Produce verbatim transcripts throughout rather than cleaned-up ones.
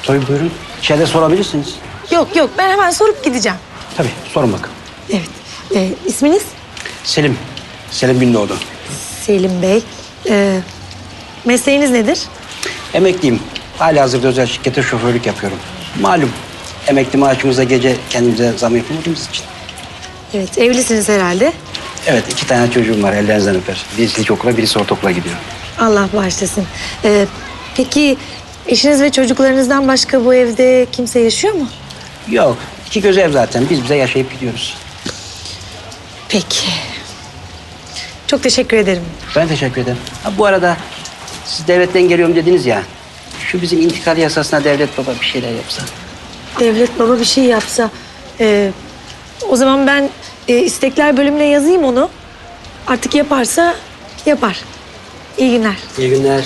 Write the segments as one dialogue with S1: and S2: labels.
S1: Tabii buyurun. İçeride sorabilirsiniz.
S2: Yok yok, ben hemen sorup gideceğim.
S1: Tabii sorun bakın.
S2: Evet. Ee, isminiz?
S1: Selim. Selim Gündoğdu.
S2: Selim Bey. Ee, mesleğiniz nedir?
S1: Emekliyim. Halihazırda özel şirkete şoförlük yapıyorum. Malum emekli maaşımıza gece kendimize zam yapamadığımız için.
S2: Evet, evlisiniz herhalde.
S1: Evet, iki tane çocuğum var, ellerinizden öper. Birisi ilkokula, birisi ortaokula gidiyor.
S2: Allah bağışlasın. Ee, peki eşiniz ve çocuklarınızdan başka bu evde kimse yaşıyor mu?
S1: Yok, iki göz ev zaten. Biz bize yaşayıp gidiyoruz.
S2: Peki. Çok teşekkür ederim.
S1: Ben teşekkür ederim. Ha, bu arada siz devletten geliyorum dediniz ya. Şu bizim intikal yasasına devlet baba bir şeyler yapsa.
S2: Devlet baba bir şey yapsa. ee, o zaman ben e, istekler bölümüne yazayım onu. Artık yaparsa yapar. İyi günler.
S1: İyi günler.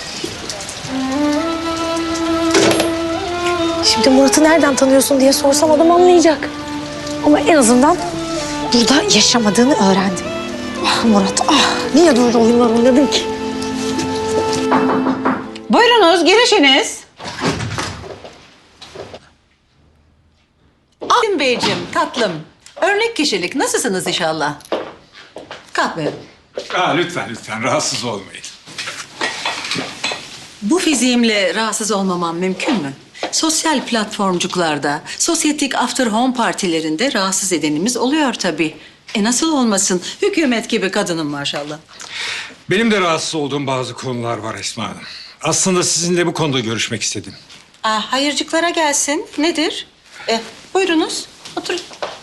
S2: Şimdi Murat'ı nereden tanıyorsun diye sorsam adam anlayacak. Ama en azından burada yaşamadığını öğrendim. Ah Murat, ah niye böyle oyunlar oynadın ki?
S3: Buyurunuz, girişiniz. Alim Beyciğim, tatlım. Örnek kişilik, nasılsınız inşallah? Kalkmayın.
S4: Aa, lütfen lütfen rahatsız olmayın.
S3: Bu fiziğimle rahatsız olmamam mümkün mü? Sosyal platformcuklarda, sosyetik after home partilerinde rahatsız edenimiz oluyor tabii. E nasıl olmasın? Hükümet gibi kadınım maşallah.
S4: Benim de rahatsız olduğum bazı konular var Esma Hanım. Aslında sizinle bu konuda görüşmek istedim.
S3: Aa, hayırcıklara gelsin. Nedir? E, buyurunuz, oturun.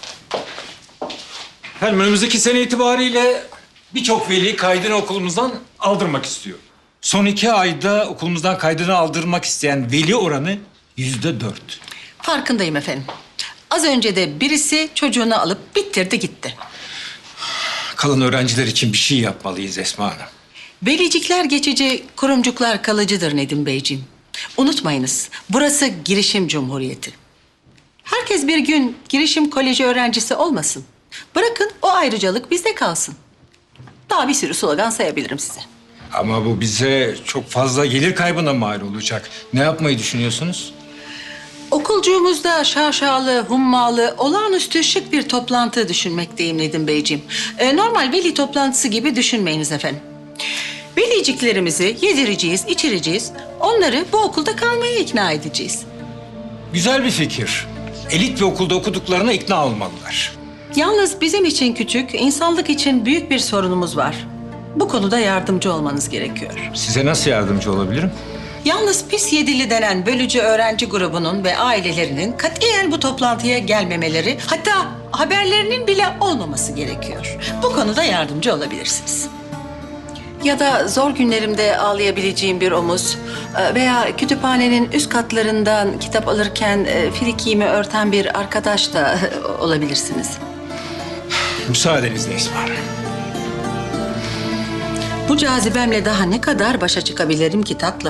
S4: Efendim önümüzdeki sene itibariyle birçok veli kaydını okulumuzdan aldırmak istiyor. Son iki ayda okulumuzdan kaydını aldırmak isteyen veli oranı yüzde dört.
S3: Farkındayım efendim. Az önce de birisi çocuğunu alıp bitirdi gitti.
S4: Kalan öğrenciler için bir şey yapmalıyız Esma Hanım.
S3: Velicikler geçici, kurumcuklar kalıcıdır Nedim Beyciğim. Unutmayınız, burası girişim cumhuriyeti. Herkes bir gün girişim koleji öğrencisi olmasın. Bırakın o ayrıcalık bizde kalsın. Daha bir sürü slogan sayabilirim size.
S4: Ama bu bize çok fazla gelir kaybına mal olacak. Ne yapmayı düşünüyorsunuz?
S3: Okulcuğumuzda şaşalı, hummalı, olağanüstü şık bir toplantı düşünmekteyim Nedim Beyciğim. Ee, normal veli toplantısı gibi düşünmeyiniz efendim. Veliciklerimizi yedireceğiz, içireceğiz. Onları bu okulda kalmaya ikna edeceğiz.
S4: Güzel bir fikir. Elit bir okulda okuduklarına ikna olmalılar.
S3: Yalnız bizim için küçük, insanlık için büyük bir sorunumuz var. Bu konuda yardımcı olmanız gerekiyor.
S4: Size nasıl yardımcı olabilirim?
S3: Yalnız pis yedili denen bölücü öğrenci grubunun ve ailelerinin katiyen bu toplantıya gelmemeleri, hatta haberlerinin bile olmaması gerekiyor. Bu konuda yardımcı olabilirsiniz. Ya da zor günlerimde ağlayabileceğim bir omuz e, veya kütüphanenin üst katlarından kitap alırken e, frikiğimi örten bir arkadaş da e, olabilirsiniz.
S4: Müsaadenizle Esma Hanım.
S3: Bu cazibemle daha ne kadar başa çıkabilirim ki tatlım?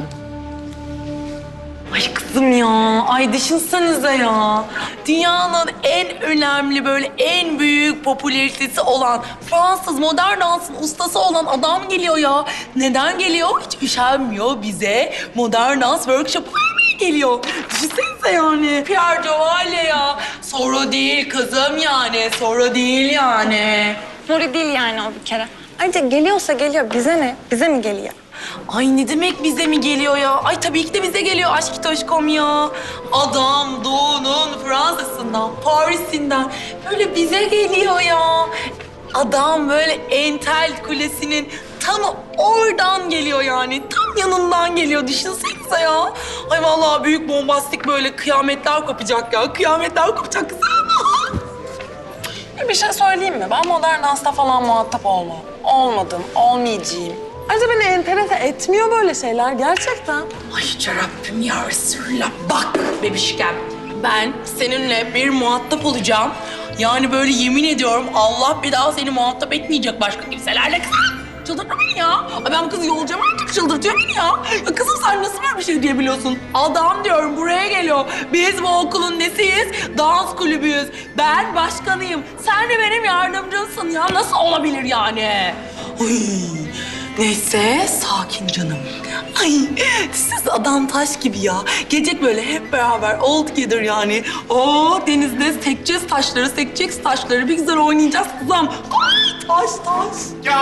S5: Ay kızım ya, ay düşünsenize ya. Dünyanın en önemli böyle en büyük popülaritesi olan Fransız modern dansın ustası olan adam geliyor ya. Neden geliyor? Hiç üşenmiyor bize modern dans workshop vermeye geliyor. Düşünsenize yani. Pierre Jovalle ya. Soru değil kızım yani, soru değil yani.
S6: Nuri değil yani o bir kere. Ayrıca geliyorsa geliyor. Bize ne? Bize mi geliyor?
S5: Ay ne demek bize mi geliyor ya? Ay tabii ki de bize geliyor aşk toşkom ya. Adam doğunun Fransa'sından, Paris'inden böyle bize geliyor ya. Adam böyle Entel Kulesi'nin tam oradan geliyor yani. Tam yanından geliyor düşünsenize ya. Ay vallahi büyük bombastik böyle kıyametler kopacak ya. Kıyametler kopacak kızım.
S6: Bir şey söyleyeyim mi? Ben modern dansta falan muhatap olmam. Olmadım, olmayacağım. Ayrıca beni enterese etmiyor böyle şeyler gerçekten.
S5: Ay yüce Rabbim ya Resulallah. Bak bebişkem, ben seninle bir muhatap olacağım. Yani böyle yemin ediyorum Allah bir daha seni muhatap etmeyecek başka kimselerle. Kızım çıldırtma beni ya. Ay ben bu kızı yolacağım artık çıldırtıyor beni ya. Ya kızım sen nasıl böyle bir şey diyebiliyorsun? Adam diyorum buraya geliyor. Biz bu okulun nesiyiz? Dans kulübüyüz. Ben başkanıyım. Sen de benim yardımcımsın ya. Nasıl olabilir yani? Uy. Neyse, sakin canım. Ay, siz adam taş gibi ya. Gece böyle hep beraber all together yani. Oo, denizde sekeceğiz taşları, sekeceğiz taşları. Bir güzel oynayacağız kızım. Ay, taş taş.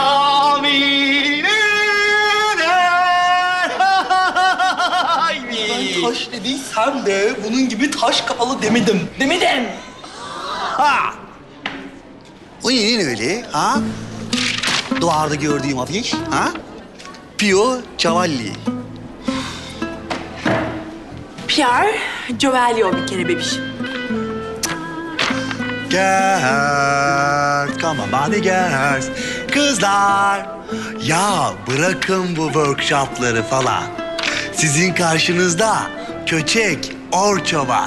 S7: Ben taş dediysem de bunun gibi taş kapalı demedim.
S5: Demedim.
S7: Ha! O neyin öyle ha? Duvarda gördüğüm afiş ha? Pio Cavalli.
S5: Pierre Giovello bir kere bebişim.
S7: Girls, come on body girls. Kızlar, ya bırakın bu workshopları falan. Sizin karşınızda köçek Orço var.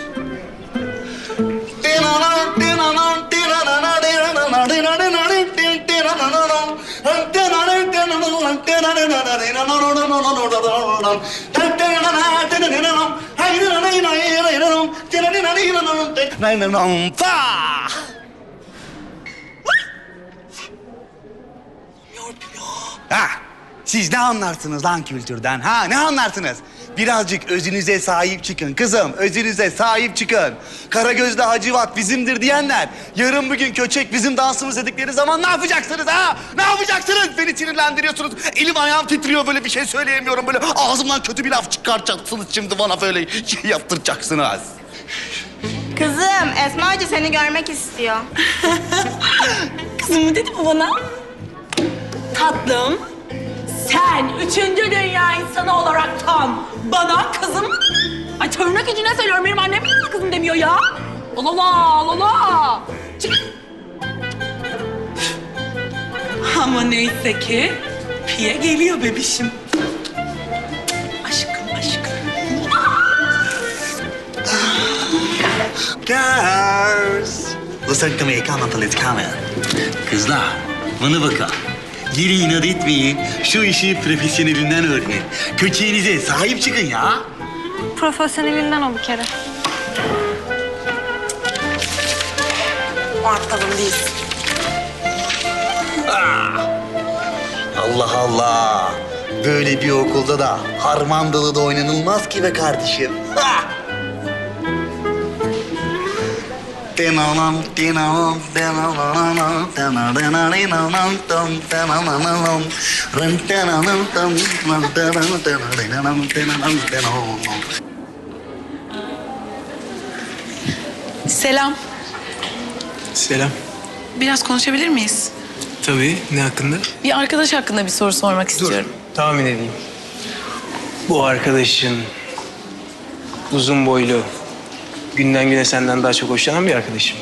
S7: Ha, siz ne anlarsınız lan kültürden? Ha, ne anlarsınız? Birazcık özünüze sahip çıkın kızım, özünüze sahip çıkın. Karagözlü Hacivat bizimdir diyenler, yarın bugün köçek bizim dansımız dedikleri zaman ne yapacaksınız ha? Ne yapacaksınız? Beni sinirlendiriyorsunuz. Elim ayağım titriyor, böyle bir şey söyleyemiyorum. Böyle ağzımdan kötü bir laf çıkartacaksınız şimdi bana, böyle şey yaptıracaksınız.
S8: Kızım, Esma Hoca seni görmek istiyor.
S5: Kızım mı dedi bu bana? Tatlım, sen üçüncü dünya insanı olaraktan bana kızım... Ay tırnak içine söylüyorum, benim annem niye kızım demiyor ya? Allah Allah Allah. Çık. Ama neyse ki Pie geliyor bebişim. Aşkım aşkım.
S7: Girls, listen to me, come on please, come on. Kızlar, bana bakın. Geri inat etmeyin, şu işi profesyonelinden öğrenin. Köçeğinize sahip çıkın ya.
S8: Profesyonelinden o bir kere.
S5: Muhatabım değilsin.
S7: Allah Allah. Böyle bir okulda da harmandalı da oynanılmaz ki be kardeşim. Ha! Tenanam, tenanam, tenanam, tenanam, tenanam, tenanam, ren tenanam, tenanam, tenanam, tenanam, tenanam, tenanam.
S9: Selam.
S10: Selam.
S9: Biraz konuşabilir miyiz?
S10: Tabii. Ne hakkında?
S9: Bir arkadaş hakkında bir soru sormak istiyorum.
S10: Tahmin edeyim. Bu arkadaşın uzun boylu, günden güne senden daha çok hoşlanan bir arkadaşım.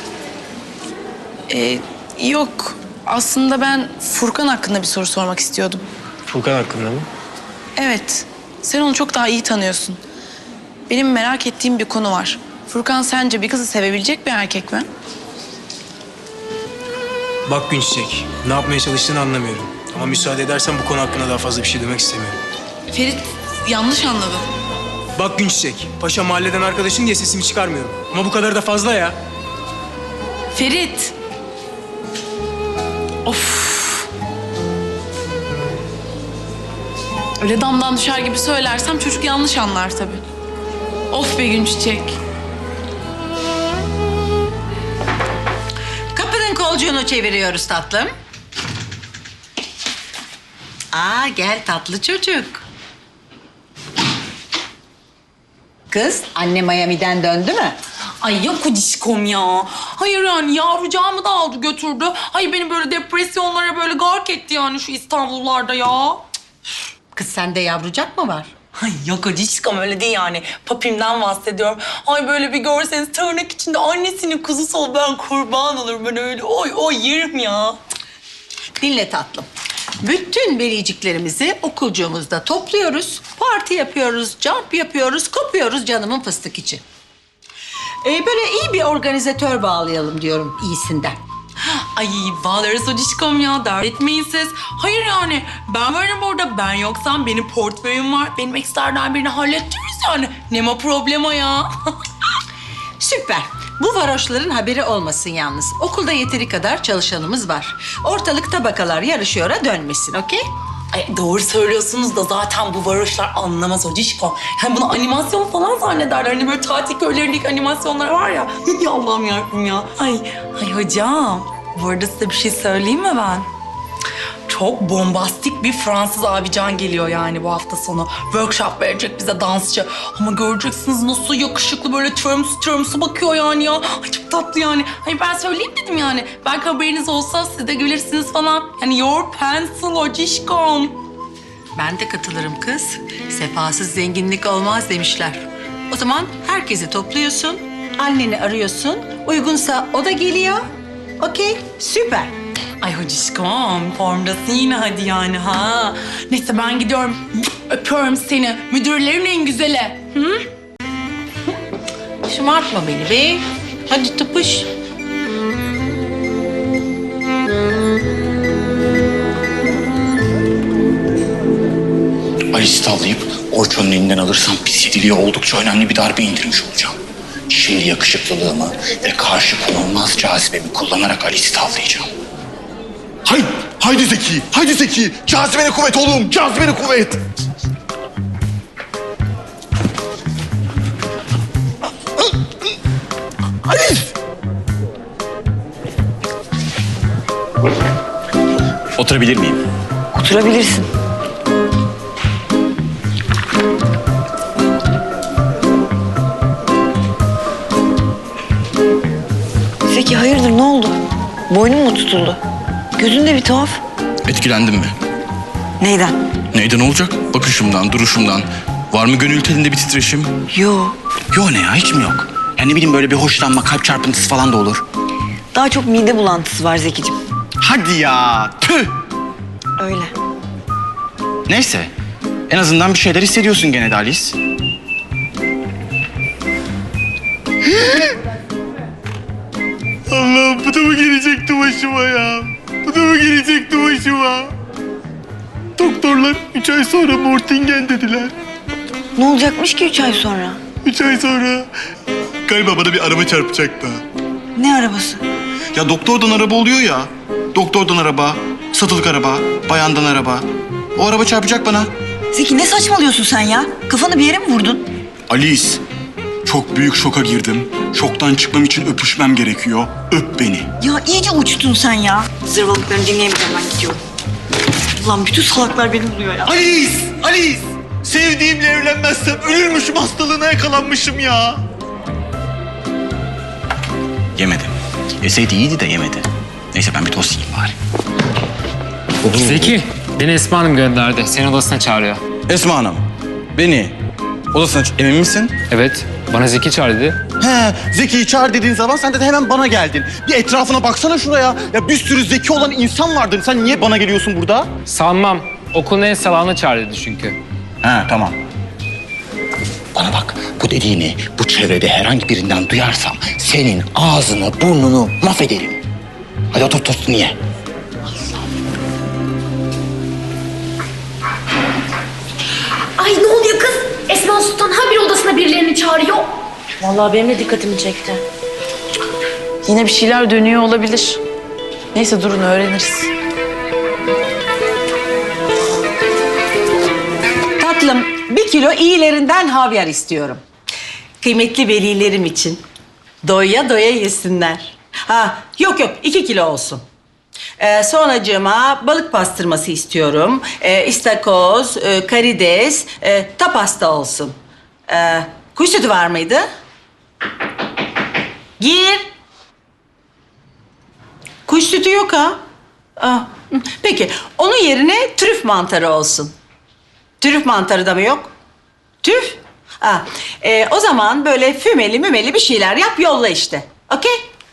S9: Ee, yok. Aslında ben Furkan hakkında bir soru sormak istiyordum.
S10: Furkan hakkında mı?
S9: Evet. Sen onu çok daha iyi tanıyorsun. Benim merak ettiğim bir konu var. Furkan sence bir kızı sevebilecek bir erkek mi?
S10: Bak Günçiçek, ne yapmaya çalıştığını anlamıyorum. Ama müsaade edersen bu konu hakkında daha fazla bir şey demek istemiyorum.
S9: Ferit yanlış anladı.
S10: Bak Günçiçek, paşa mahalleden arkadaşın diye sesimi çıkarmıyorum. Ama bu kadar da fazla ya.
S9: Ferit. Of. Öyle damdan düşer gibi söylersem çocuk yanlış anlar tabii. Of be Günçiçek.
S3: Kapının kolcuğunu çeviriyoruz tatlım. Aa gel tatlı çocuk. Kız anne Miami'den döndü mü?
S5: Ay yok o dişkom ya. Hayır yani yavrucağımı da aldı götürdü. Ay beni böyle depresyonlara böyle gark etti yani şu İstanbullarda ya.
S3: Kız sende yavrucak mı var?
S5: Ay yok o dişkom öyle değil yani. Papimden bahsediyorum. Ay böyle bir görseniz tırnak içinde annesinin kuzusu ol, ben kurban olurum ben öyle. Oy oy yerim ya.
S3: Dinle tatlım. Bütün beliciklerimizi okulcuğumuzda topluyoruz. Parti yapıyoruz, jump yapıyoruz, kopuyoruz canımın fıstık için. Ee, böyle iyi bir organizatör bağlayalım diyorum iyisinden.
S5: Ay bağlarız o dişkom ya, dert etmeyin siz. Hayır yani ben varım burada, ben yoksam benim portföyüm var. Benim ekstradan birini halledeceğiz yani. Ne ma problema ya.
S3: Süper. Bu varoşların haberi olmasın yalnız. Okulda yeteri kadar çalışanımız var. Ortalık tabakalar yarışıyora dönmesin, okey?
S5: Ay doğru söylüyorsunuz da zaten bu varoşlar anlamaz hocişko. Hem bunu animasyon falan zannederler. Hani böyle tatil köylerindeki animasyonlar var ya. Ya Allah'ım yarabbim ya. Ay, ay hocam. Bu arada size bir şey söyleyeyim mi ben? Çok bombastik bir Fransız abican geliyor yani bu hafta sonu. Workshop verecek bize dansçı. Ama göreceksiniz nasıl yakışıklı böyle törmsü törmsü bakıyor yani ya. Ay çok tatlı yani. Ay ben söyleyeyim dedim yani. Belki haberiniz olsa siz de gülersiniz falan. Yani your pencil hocişkom.
S3: Ben de katılırım kız. Sefasız zenginlik olmaz demişler. O zaman herkesi topluyorsun, anneni arıyorsun. Uygunsa o da geliyor. Okey, süper.
S5: Ay hocişkom formdasın yine hadi yani ha. Neyse ben gidiyorum. Öpüyorum seni. Müdürlerin en güzeli. Hı?
S3: Şımartma beni be. Hadi tıpış.
S11: Alice'i tavlayıp Orçun'un elinden alırsam pis yediliğe oldukça önemli bir darbe indirmiş olacağım. Şimdi yakışıklılığımı ve karşı konulmaz cazibemi kullanarak Alice'i tavlayacağım.
S7: Haydi, haydi Zeki, haydi Zeki. Cazibene kuvvet oğlum, cazibene kuvvet. Alice!
S11: Oturabilir miyim?
S2: Oturabilirsin. Zeki hayırdır ne oldu? Boynun mu tutuldu? Gözün de bir tuhaf.
S11: Etkilendim mi?
S2: Neyden?
S11: Neyden olacak? Bakışımdan, duruşumdan. Var mı gönül telinde bir titreşim?
S2: Yo.
S11: Yo ne ya, hiç mi yok? Yani ne bileyim böyle bir hoşlanma, kalp çarpıntısı falan da olur.
S2: Daha çok mide bulantısı var Zekicim.
S11: Hadi ya, tüh!
S2: Öyle.
S11: Neyse, en azından bir şeyler hissediyorsun gene de Alice.
S7: Allah'ım bu da mı gelecekti başıma ya? Bu da mı gelecekti başıma? Doktorlar üç ay sonra Mortingen dediler.
S2: Ne olacakmış ki üç ay sonra?
S7: Üç ay sonra galiba bana bir araba çarpacak da.
S2: Ne arabası?
S7: Ya doktordan araba oluyor ya. Doktordan araba, satılık araba, bayandan araba. O araba çarpacak bana.
S2: Zeki ne saçmalıyorsun sen ya? Kafanı bir yere mi vurdun?
S11: Alice, çok büyük şoka girdim. Şoktan çıkmam için öpüşmem gerekiyor. Öp beni.
S2: Ya iyice uçtun sen ya. Zırvalıklarını dinleyemeyeceğim ben gidiyorum. Ulan bütün salaklar beni buluyor ya.
S7: Alice! Alice! Sevdiğimle evlenmezsem ölürmüşüm, hastalığına yakalanmışım ya.
S11: Yemedi. Yeseydi iyiydi de yemedi. Neyse ben bir tost yiyeyim bari.
S12: Zeki, beni Esma Hanım gönderdi. Seni odasına çağırıyor.
S11: Esma Hanım, beni odasına ç- emin misin?
S12: Evet, bana Zeki çağır dedi.
S7: He, Zeki'yi çağır dediğin zaman sen de hemen bana geldin. Bir etrafına baksana şuraya. Ya bir sürü zeki olan insan vardır. Sen niye bana geliyorsun burada?
S12: Sanmam. Okulun en salağını çağır dedi çünkü.
S11: He, tamam. Bana bak, bu dediğini bu çevrede herhangi birinden duyarsam senin ağzını, burnunu mahvederim. Hadi otur tostunu ye.
S13: Ay ne oluyor kız? Esma Sultan habire odasına birilerini çağırıyor.
S9: Vallahi benim de dikkatimi çekti. Yine bir şeyler dönüyor olabilir. Neyse durun öğreniriz.
S3: Tatlım, bir kilo iyilerinden havyar istiyorum. Kıymetli velilerim için. Doya doya yesinler. Ha, yok yok, iki kilo olsun. Ee, sonracığıma balık pastırması istiyorum. Ee, istakoz, e, karides, e, tapas da olsun. Ee, kuş sütü var mıydı? Gir. Kuş sütü yok ha. Aa, hı. Peki, onun yerine trüf mantarı olsun. Trüf mantarı da mı yok? Trüf? Ha, e, o zaman böyle fümeli mümeli bir şeyler yap, yolla işte. Okey?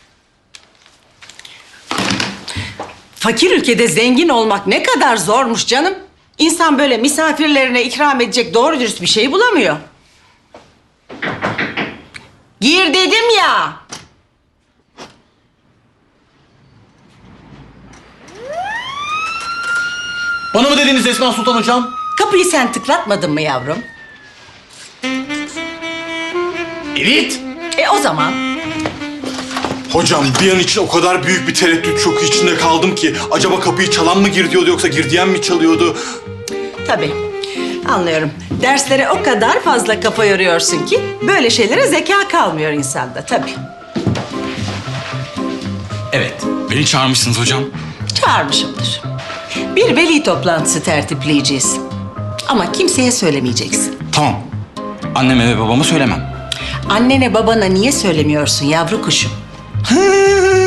S3: Fakir ülkede zengin olmak ne kadar zormuş canım. İnsan böyle misafirlerine ikram edecek doğru dürüst bir şey bulamıyor. Gir dedim ya.
S7: Bana mı dediniz Esma Sultan hocam?
S3: Kapıyı sen tıklatmadın mı yavrum?
S7: Evet.
S3: E o zaman
S14: Hocam bir an için o kadar büyük bir tereddüt şoku içinde kaldım ki acaba kapıyı çalan mı gir diyordu yoksa gir diyen mi çalıyordu?
S3: Tabii. Anlıyorum. Derslere o kadar fazla kafa yoruyorsun ki böyle şeylere zeka kalmıyor insanda tabii.
S11: Evet, beni çağırmışsınız hocam.
S3: Çağırmışımdır. Bir veli toplantısı tertipleyeceğiz. Ama kimseye söylemeyeceksin.
S11: Tamam. Anneme ve babama söylemem.
S3: Annene babana niye söylemiyorsun yavru kuşum?